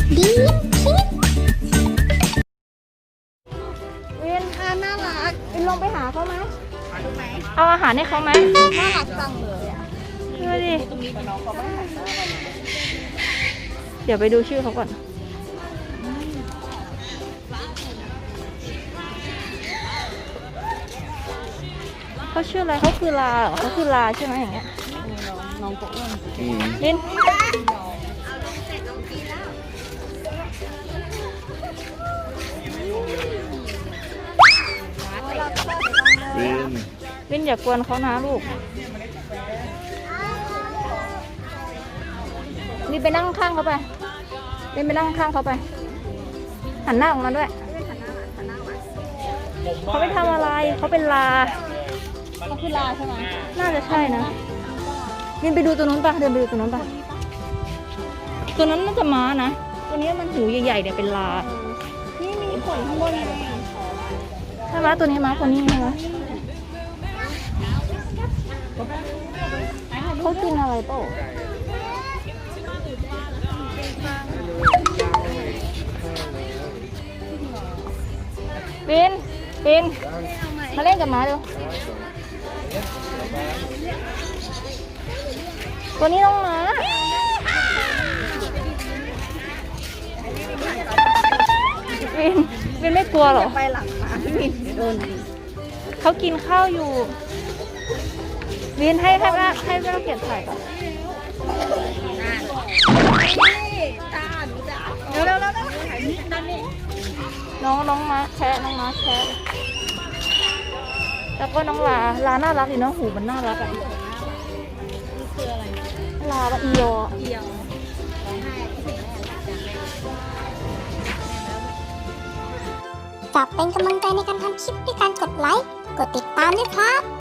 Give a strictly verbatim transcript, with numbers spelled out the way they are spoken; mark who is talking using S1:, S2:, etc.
S1: ดีคิด
S2: เวียนค่ะน่ารักวินลงไปหาเขาไหม
S3: รู้ไหม
S2: เอาอาหารให้เขาไหม
S3: น่ารักจังเลยอ่ะ
S2: ดูดิ
S3: ตรงนี้น้องเขาไม่หันหน้ามาเลย
S2: เดี๋ยวไปดูชื่อเขาก่อนเขาชื่ออะไรเขาคือลาเหรอเขาคือลาใช่ไหมอย่างเงี้ย
S3: น้องก็อ้วน
S4: อืม
S2: ลิน
S4: วิน
S2: ลินอย่ากวนเขานะลูกลินไปนั่งข้างเขาไปลินไปนั่งข้างเขาไปหันหน้าออกมาด้วยเขาไม่ทำอะไรเขาเป็นลา
S3: ก็คือลาใช่ไหม
S2: น่าจะใช่นะลินไปดูตัวนู้นปะเดินไปดูตัวนู้นปะตัวนั้นน่าจะม้านะตัวนี้มันหูใหญ่ๆเนี่ยเป็นลา
S3: นี่มีขนข้างบนไง
S2: ใช่ไหมตัวนี้ม้าตัวนี้ใช่ไหมเขากินอะไรเปล่าบินบินมาเล่นกับม้าเร็วตัวนี้น้องม้าบินบินไม่กลัวเหรอ
S3: ไปหลังมาพี่มินโดน
S2: เขากินข้าวอยู่วินให้ให้แม่ให้แม่เกียรติถ่ายก่อน
S3: ตาหนูจะเร็วเร็วเร็วเร็วถ่ายนี่ด้านนี้
S2: น้องน้องม้าแคะน้องม้าแคะแล้วก็น้องลาลาน่ารักดีเนาะหูมันน่ารักอะ
S3: นี่คืออะไร
S2: ลาบะอีโย
S3: เดียวร้องไห้ที่เสียงแม่
S1: ฝากเป็นกำลังใจในการทำคลิปด้วยการกดไลค์ กดติดตามด้วยครับ